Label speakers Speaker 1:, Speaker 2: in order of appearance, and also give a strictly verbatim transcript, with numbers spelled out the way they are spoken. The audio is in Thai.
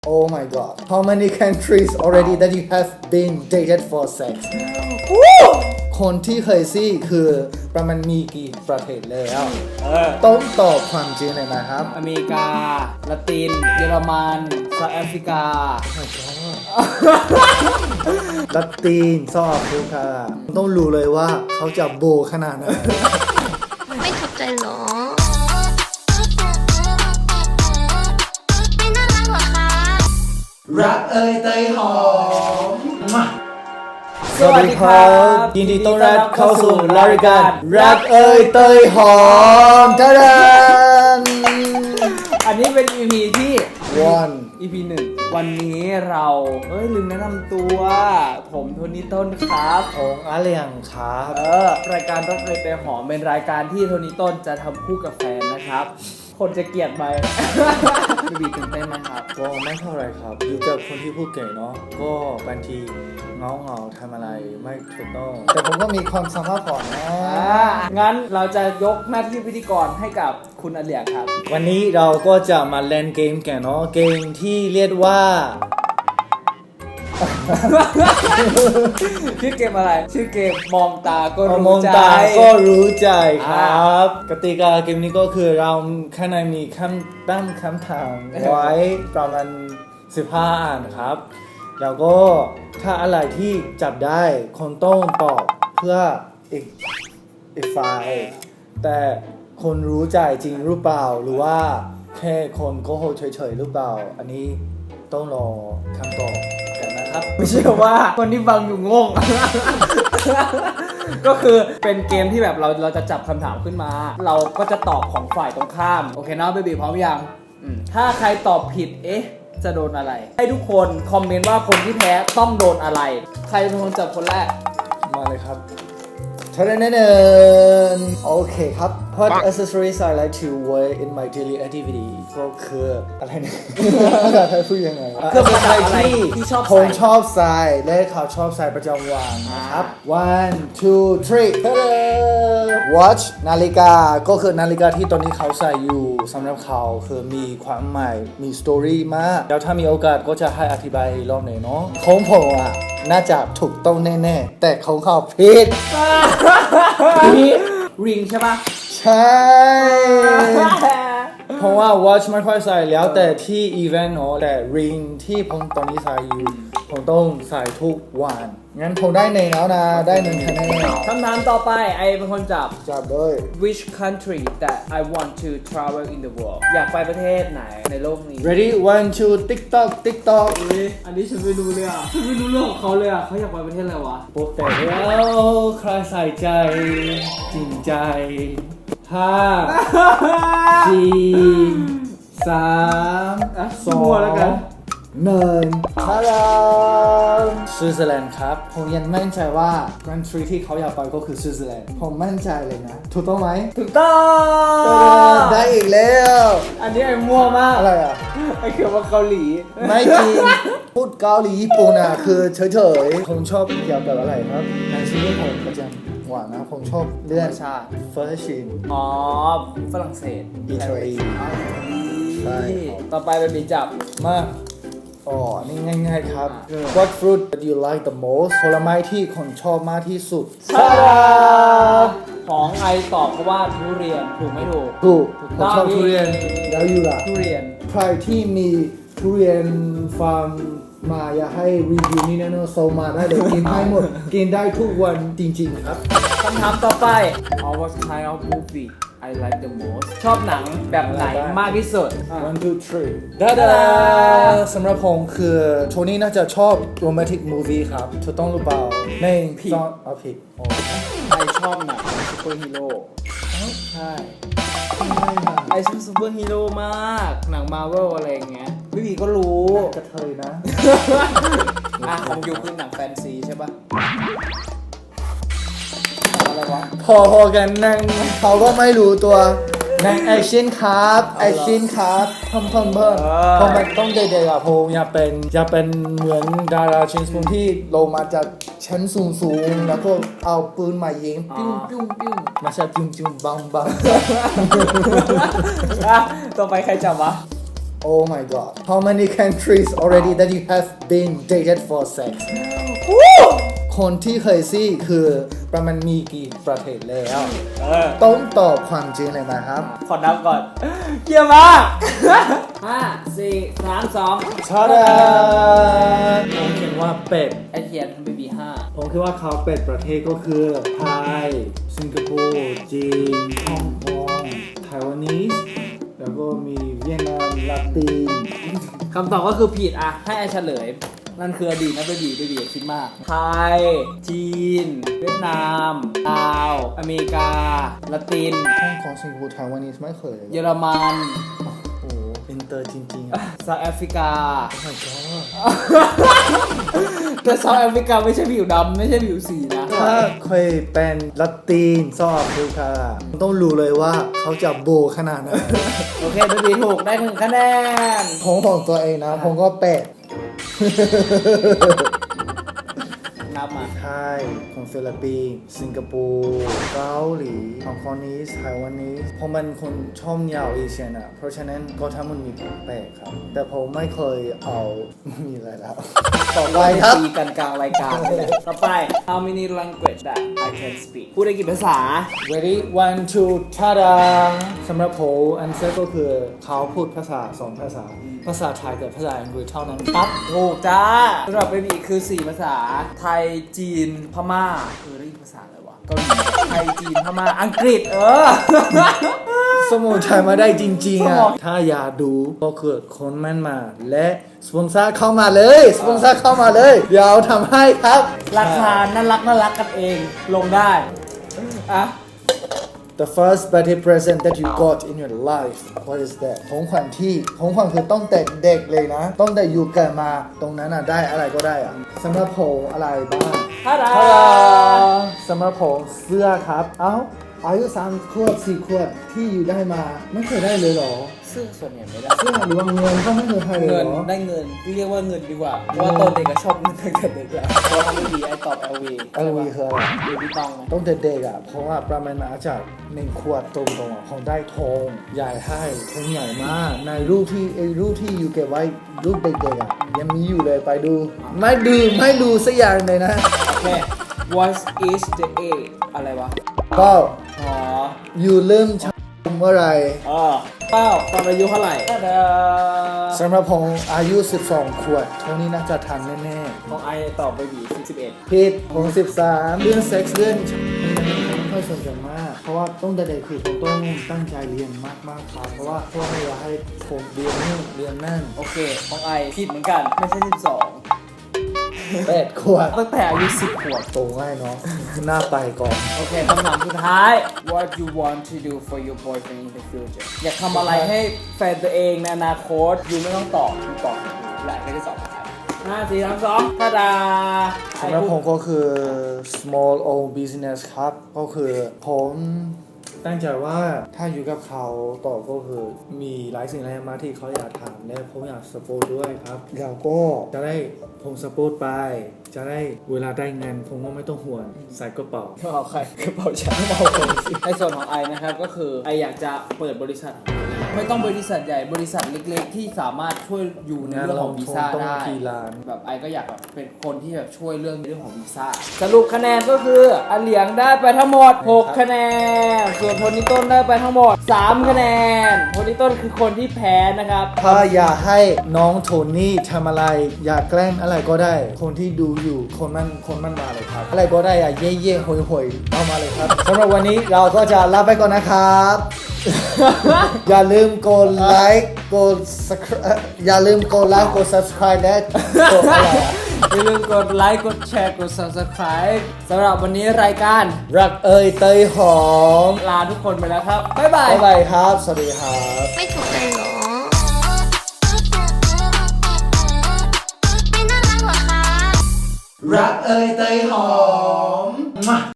Speaker 1: Oh my god how many countries already that you have been dated for sex คนที่เคยซี่คือประมาณมีกี่ประเทศแล้วต้องตอบความจริงเลยนะครับ
Speaker 2: อเมริกาละตินเยอรมันเซาท์แอฟริกา
Speaker 1: ละตินซอฟแอฟริกาต้องรู้เลยว่าเขาจะโบขนาดไหน
Speaker 3: ไม่ถูกใจหรอ
Speaker 1: รักเอ่ยเตยหอมมา
Speaker 2: สวัสดีครับ
Speaker 1: ยินดีต้อนรับเข้าสู่รายการรักเอ่ยเตยหอมทะเลน
Speaker 2: อันนี้เป็น อี พี ที่
Speaker 1: วัน
Speaker 2: อี พี หนึ่งวันนี้เราเอ้ยลืมแนะนำตัว ผมโทนี่ต้นครับ
Speaker 1: ของอาเลียงครับ
Speaker 2: เออรายการรักเอ่ยเตยหอมเป็นรายการที่โทนี่ต้นจะทำคู่กับแฟนนะครับ คนจะเกลียดไหม บีบีตื่นเต้นไหมครับ
Speaker 1: ก็ไม่เท่าไรครับอยู่กับคนที่พูดเก่งเนาะก็บางทีเงาเงาๆทำอะไรไม่ถูกต้องแต่ผมก็มีความสามารถก่อนนะ
Speaker 2: อ่างั้นเราจะยกหน้าที่พิธีกรให้กับคุณอเลียครับ
Speaker 1: วันนี้เราก็จะมาเล่นเกมกันเนาะเกมที่เรียกว่า
Speaker 2: ชื่อเกมอะไร ชื่อเกมมองตาก็
Speaker 1: ม
Speaker 2: รู้
Speaker 1: อง
Speaker 2: ใจ
Speaker 1: ตาก็รู้ใจครับ กติกาเกมนี้ก็คือเราข้างในมีคำตั้งคำถามไว้ประมาณสิบห้าอันครับ แล้วก็ถ้าอะไรที่จับได้คนต้องตอบเพื่ออีกอีกฝ่ายแต่คนรู้ใจจริงหรือเปล่าหรือว่าแค่คนโกหกเฉยๆหรือเปล่า อันนี้ต้องรอคำตอบกันนะครับ
Speaker 2: ไม่เชื่อว่าคนที่ฟังอยู่งง ก็คือเป็นเกมที่แบบเราเราจะจับคำถามขึ้นมา เราก็จะตอบของฝ่ายตรงข้าม โอเคเนาะเบบีพร้อมยังอืมถ้าใครตอบผิดเอ๊ะจะโดนอะไร ให้ทุกคนคอมเมนต์ว่าคนที่แพ้ต้องโดนอะไร ใครเป็นคนจับคนแรก
Speaker 1: มาเลยครับทะเลนเนนโอเคครับ What accessories I like to wear in my daily activity ก็คืออะไรเนี่ย ภาษาไทยพูดยังไงวะ
Speaker 2: เครื่องประดับอะไรที่ชอบใส่
Speaker 1: ผมชอบใส่และเขาชอบใส่ประจำวันนะครับ one two three ทะเล watch นาฬิกาก็คือนาฬิกาที่ตอนนี้เขาใส่อยู่สำหรับเขาคือมีความหมายมีสตอรี่มากแล้วถ้ามีโอกาสก็จะให้อธิบายอีกรอบหนึ่งเนาะของผมอ่ะน่าจะถูกต้องแน่ๆแต่ของเขาผิด
Speaker 2: ริงใช่ปะ
Speaker 1: ใช่ เพราะว่า watch ไม่ค่อยใส่แล้วแต่ที่ event เนาะแต่ ring ที่ผมตอนนี้ใส่อยู่ผมต้องใส่ทุกวันงั้นผมได้หนึ่งแล้วนะได้หนึ่งคะแนน
Speaker 2: คำถามต่อไปไอเป็นคนจับ
Speaker 1: จับเลย
Speaker 2: Which country that I want to travel in the world อยากไปประเทศไหนในโลกนี้
Speaker 1: ready one two tiktok tiktok
Speaker 2: อุ๊ยอันนี้ฉันไม่รู้เลยอ่ะ ฉันไม่รู้เรื่องของเขาเลยอ่ะเขาอยากไปประเทศอะไรวะ
Speaker 1: โปรแต่แล้วใครใส่ใจจริงใจห้าสี่สาม
Speaker 2: อ่ะ
Speaker 1: สอ
Speaker 2: มั่ว
Speaker 1: ง
Speaker 2: แล้วกัน
Speaker 1: หนึ่งฮัลโหลสวิตเซอร์แลนด์ครับ ผมยังมั่นใจว่า country ที่เขาอยากไปก็คือสวิตเซอร์แลนด์ผมมั่นใจเลยนะ ถูกต้องไหม
Speaker 2: ถูกต้อง
Speaker 1: ได้อีกแล้ว
Speaker 2: อันนี้ไอ้มั่วมาก
Speaker 1: อะไรอ่ะ
Speaker 2: ไอ้เขียนว่าเกาหลี
Speaker 1: ไม่จริง พูดเกาหลีญี่ปุ่นอ่ะ คือเฉยๆ ผมชอบเกี่ยวกับอะไรครับในชีวิตผมประจำวันนะ ผมชอบเรื่อง
Speaker 2: ชาติ
Speaker 1: เฟอร์ชิน
Speaker 2: อ๋อ ฝรั่งเศส
Speaker 1: อิตาลี
Speaker 2: อ๋ออิตาลี
Speaker 1: ใช่ครับ
Speaker 2: ต่อไปเป็นบีจับ
Speaker 1: มาอ๋ออันนี่ง่ายๆครับ What fruit that you like the most ผลไม้ที่คนชอบมากที่สุด
Speaker 2: ชาของไอตอบเพราะว่าทุเรียนถูกไม่ถูก
Speaker 1: ถูก
Speaker 2: ถูก
Speaker 1: ผม
Speaker 2: ต้อง
Speaker 1: ชอบทุเรียน แล้วอยู่ล่ะ
Speaker 2: ทุเรียน
Speaker 1: ใครที่มีทุเรียนฟาร์มมาอยากให้รีวิวนี่แน่นอนโซมาได้เลย กินได้หมด กินได้ทุกวันจริงๆครับ
Speaker 2: คำถามต่อไป oh, What kind of movie I like the most ชอบหนังแบบไหนมากที่สุด
Speaker 1: one two three ดาดาสำหรับผมคือโทนี่น่าจะชอบโรแมนติกมูวี่ครับถูกต้องหรือเปล่าใน
Speaker 2: ผิด
Speaker 1: ซอนเอาผิดอ๋อ
Speaker 2: ไอชอบหนังซูเปอร์ฮีโร่ใช่ไอชอบซูเปอร์ฮีโร่มาก หนังมาร์เวลอะไรอย่างเงี้ยพี่บีก็รู้
Speaker 1: กระเทยนะ
Speaker 2: อ่ะของยูคือหนังแฟนซีใช่ปะอะไรวะ
Speaker 1: พอพอกันนั่งเขาก็ไม่รู้ตัวนั่งแอคชั่นครับแอคชั่นครับเพิ่มเพิ่มเพิ่มเพราะมันต้องเด็กๆอะผมอยากเป็นอยากเป็นเหมือนดาราชินสปุนที่ลงมาจากชั้นสูงสูงๆแล้วก็เอาปืนมายิงปิ้วปิ้วปิ้วไม่ใช่ปิ้วปิ้วบังบัง
Speaker 2: อ่ะต่อไปใครจับวะ
Speaker 1: Oh my god how many countries already that you have been dated for sex คนที่เคยซี่คือประมาณมีกี่ประเทศแล้ว
Speaker 2: เออ
Speaker 1: ต้องตอบความจริงเลยนะครับ
Speaker 2: ขอนับก่อนเกี่ยมาก ห้าสี่สามสอง
Speaker 1: ชาดาผมคิดว่าเป็ด
Speaker 2: ไอเทียนเบบีห้า
Speaker 1: ผมคิดว่าเขาเป็ดประเทศก็คือไทย สิงคโปร์ จีน ฮ่องกง ไต้หวันนีส แล้วก็มีเวียดนามลาติน
Speaker 2: คำตอบก็คือผิดอ่ะ ให้ไอเฉลย นั่นคืออดีตนะเบบีเบบีอย่าคิดมาก ไทย จีน เวียดนามลาว อเมริกา ละติน
Speaker 1: ฮ่องกง สิงคโปร์ ไต้หวันนีสไม่เคยเลย
Speaker 2: เยอรมัน
Speaker 1: โอ้โหอินเตอร์จริงๆอ่ะ
Speaker 2: เซาท์แอฟริกา
Speaker 1: Oh my god
Speaker 2: แต่เซาท์แอฟริกาไม่ใช่ผิวดำไม่ใช่ผิวสีนะ
Speaker 1: ถ้าเคยเป็นละตินซอฟแอฟริกาต้องรู้เลยว่าเขาจะโบขนาดไหน
Speaker 2: โอเคเบบีถูกได้หนึ่งคะแนน
Speaker 1: ผมของตัวเองนะ ผมก็เป็ด
Speaker 2: นับมา
Speaker 1: ไทยของฟิลิปปินส์สิงคโปร์เกาหลีฮ่องกงนีสไต้หวันนีสผมเป็นคนชอบยาวเอเชียนอ่ะ เพราะฉะนั้นก็ทั้งหมันมีแปลกครับ แต่ผมไม่เคยเอา มีอะไรแล้ว ต่อไปครับ
Speaker 2: ตีกันกลางรายการนี่แหละต่อไป How many language that I can speak พูดได้กี่ภาษา
Speaker 1: ready one two ชาดาสำหรับผมอันเซอร์ก็คือเขาพูดภาษาสองภาษา ภาษาไทยกับภาษาอังกฤษเท่านั้นครับ
Speaker 2: ถูกจ้าสำหรับเบบีคือสี่ภาษา ไทย จีน พม่า เออได้กี่ภาษาเลยวะเกาหลีไทย จีน พม่า อังกฤษ เออ
Speaker 1: สมุนไพรมาได้จริงๆ
Speaker 2: สม
Speaker 1: อ่ะ
Speaker 2: อง
Speaker 1: ถ้าอยากดูก็คือคนมันมา และสปอนเซอร์เข้ามาเลย สปอนเซอร์เข้ามาเลย เดี๋ยวทำให้ครับ
Speaker 2: ราคาน่ารักน่ารักกันเอง ลงได้ อ่ะ
Speaker 1: The first birthday present that you got in your life what is that ของขวัญที่ของขวัญคือต้องแต่เด็กเลยนะ ต้องแต่อยู่เกิดมาตรงนั้นอ่ะได้อะไรก็ได้อ่ะสำหรับผมอะไรบ้าง
Speaker 2: ทาดา
Speaker 1: ทาดาสำหรับผมเสื้อครับ เอ้าอายุสามขวบสี่ขวบที่อยู่ได้มาไม่เคยได้เลยเหรอ
Speaker 2: เสื้อส่วนใหญ่ไม่ได้
Speaker 1: เสื้อหรือว่าเงินก็ไม่เคยให้เลย
Speaker 2: เงิน
Speaker 1: เหรอ
Speaker 2: ได้เงินเรียกว่าเงินดีกว่า เพราะว่าตอนเด็กก็ชอบเงินตั้งแต่เด็กแล้วเพราะว่าทำไม่ดีไอตอบ แอล วี
Speaker 1: แอลวีคืออะไร
Speaker 2: เบบี้ตองไง
Speaker 1: ต้องแต่เด็กอ่ะ เพราะว่าประมาณอาจจะหนึ่งขวดตรงๆอ่ะของได้ทองใหญ่ให้ทองใหญ่มาก ในรูปที่ไอ้รูปที่อยู่เก็บไว้รูปเด็กๆอ่ะยังมีอยู่เลยไปดู ไม่ดูไม่ดูสักอย่างเลยนะ
Speaker 2: โอเค what is the age อะไรวะ
Speaker 1: ก็
Speaker 2: อ๋อ
Speaker 1: อยู่เริ่มชมเมื่อไหร
Speaker 2: เออเป้าตอนอายุเท่าไหร่ทาดา
Speaker 1: สำหรับผมอายุสิบสองขวดเท่านี้น่าจะทันแน่
Speaker 2: ของไอตอบเบบีสิบเอ็ด
Speaker 1: ๆผิดผมสิบสามเรื่องเซ็กซ์เรื่องไม่ค่อยสนใจมาก เพราะว่าต้องแต่เด็กคือผมต้องตั้งใจเรียนมากๆครับเพราะว่าพ่อไม่อยากให้ผมเรียนนู่นเรียนนั่น
Speaker 2: โอเค ของไอผิดเหมือนกัน ไม่ใช่สิบสอง
Speaker 1: แปดขวด
Speaker 2: ตั้งแต่อายุสิบขวบ
Speaker 1: โตง่ายเนาะหน้าไปก่อน
Speaker 2: โอเคคำถามสุดท้าย What you want to do for your boyfriend in the future อยากทำอะไรให้แฟนตัวเองในอนาคตยูไม่ต้องตอบยูตอบหลายก็จะตอบห้าสี่สามสองทาดา
Speaker 1: สำหรับผมก็คือ small own business ครับ ก็คือผมตั้งใจว่าถ้าอยู่กับเขาต่อก็คือมีหลายสิ่งหลายอย่างมากที่เขาอยากทำและผมอยากสปอร์ตด้วยครับแล้วก็จะได้ผมสปอร์ตไป จะได้เวลาได้เงินผมก็ไม่ต้องห่วงใส่กระเป๋า
Speaker 2: ก็เอาใครกระเป๋าฉันเอาคนสิในส่วนของไอนะครับก็คือไออยากจะเปิดบริษัท ไม่ต้องบริษัทใหญ่บริษัทเล็กๆ ที่สามารถช่วยอยู่ในเรื่องของวีซ่า
Speaker 1: ต้อง
Speaker 2: ได้
Speaker 1: กี่ล้าน
Speaker 2: แบบไอก็อยากแบบเป็นคนที่แบบช่วยเรื่องเรื่องของวีซ่าสรุปคะแนนก็คืออันเหลียงได้ไปทั้งหมดหกคะแนนส่วนโทนี่ต้นได้ไปทั้งหมดสามคะแนนโทนี่ต้นคือคนที่แพ้นะครับ
Speaker 1: ถ้าอยากให้น้องโทนี่ทำอะไร อยากแกล้งอะไรก็ได้ คนที่ดูอยู่คนมันคนมันมาเลยครับ อะไรก็ได้อะเย่เย่หอยหอยเอามาเลยครับสำหรับวันนี้เราก็จะลาไปก่อนนะครับ อย่าลืมกดไลค์กด subscribe อย่าลืมกดไลค์กด subscribe และกดอะไรอะ
Speaker 2: อย่าลืมกดไลค์กดแชร์กด subscribe สำหรับวันนี้รายการ
Speaker 1: รักเอ่ยเตยหอม
Speaker 2: ลาทุกคนไปแล้วครับ บ๊ายบาย
Speaker 1: บ๊ายบายครับ สวัสดีครับ
Speaker 3: ไม่ถูกใจเหรอ ไม่น่ารักเหรอคะ
Speaker 1: รักเอ่ยเตยหอม